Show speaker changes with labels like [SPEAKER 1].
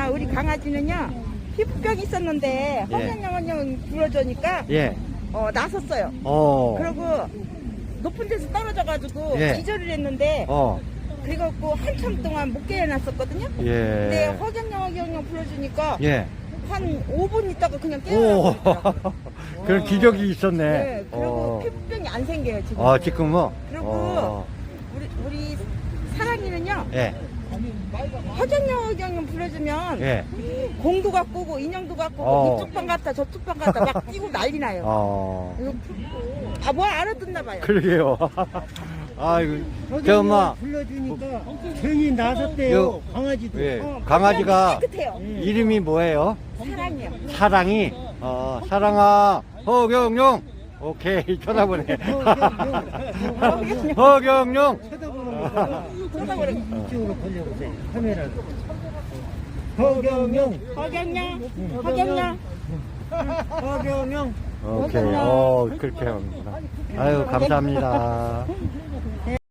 [SPEAKER 1] 그러니까 우리 강아지는요 피부병이 있었는데
[SPEAKER 2] 예.
[SPEAKER 1] 허경영 불러주니까
[SPEAKER 2] 예.
[SPEAKER 1] 나섰어요. 그리고 높은 데서 떨어져가지고
[SPEAKER 2] 예.
[SPEAKER 1] 기절을 했는데
[SPEAKER 2] 어.
[SPEAKER 1] 그래갖고 한참 동안 못 깨어났었거든요. 근데
[SPEAKER 2] 예.
[SPEAKER 1] 허경영 불러주니까
[SPEAKER 2] 예.
[SPEAKER 1] 한 5분 있다가 그냥
[SPEAKER 2] 오.
[SPEAKER 1] 깨어나더라고요.
[SPEAKER 2] 그런 기적이 있었네.
[SPEAKER 1] 네, 그리고 피부병이 안 생겨요 지금.
[SPEAKER 2] 지금 뭐?
[SPEAKER 1] 그리고 우리 사랑이는요.
[SPEAKER 2] 예.
[SPEAKER 1] 허경영 불러주면
[SPEAKER 2] 예.
[SPEAKER 1] 공도 갖고 오고 인형도 갖고
[SPEAKER 2] 어.
[SPEAKER 1] 오고 이쪽 방 갔다 저쪽 방 갔다 막 뛰고 난리 나요. 뭐 알아듣나 봐요.
[SPEAKER 2] 그러게요. 아이고, 저 엄마.
[SPEAKER 3] 불러주니까 괜히 나섰대요. 강아지도.
[SPEAKER 2] 예. 강아지가
[SPEAKER 1] 깨끗해요.
[SPEAKER 2] 이름이 뭐예요?
[SPEAKER 1] 사랑이요.
[SPEAKER 2] 사랑이. 사랑아. 허경영. 오케이. 쳐다보네. 허경영.
[SPEAKER 3] 쳐다보는 거다.
[SPEAKER 1] 쳐다보는
[SPEAKER 3] 이쪽으로 돌려보세요. 카메라로. 허경영.
[SPEAKER 1] 허경영.
[SPEAKER 3] 허경영.
[SPEAKER 2] 오케이. 그렇게 합니다. 아유, 감사합니다.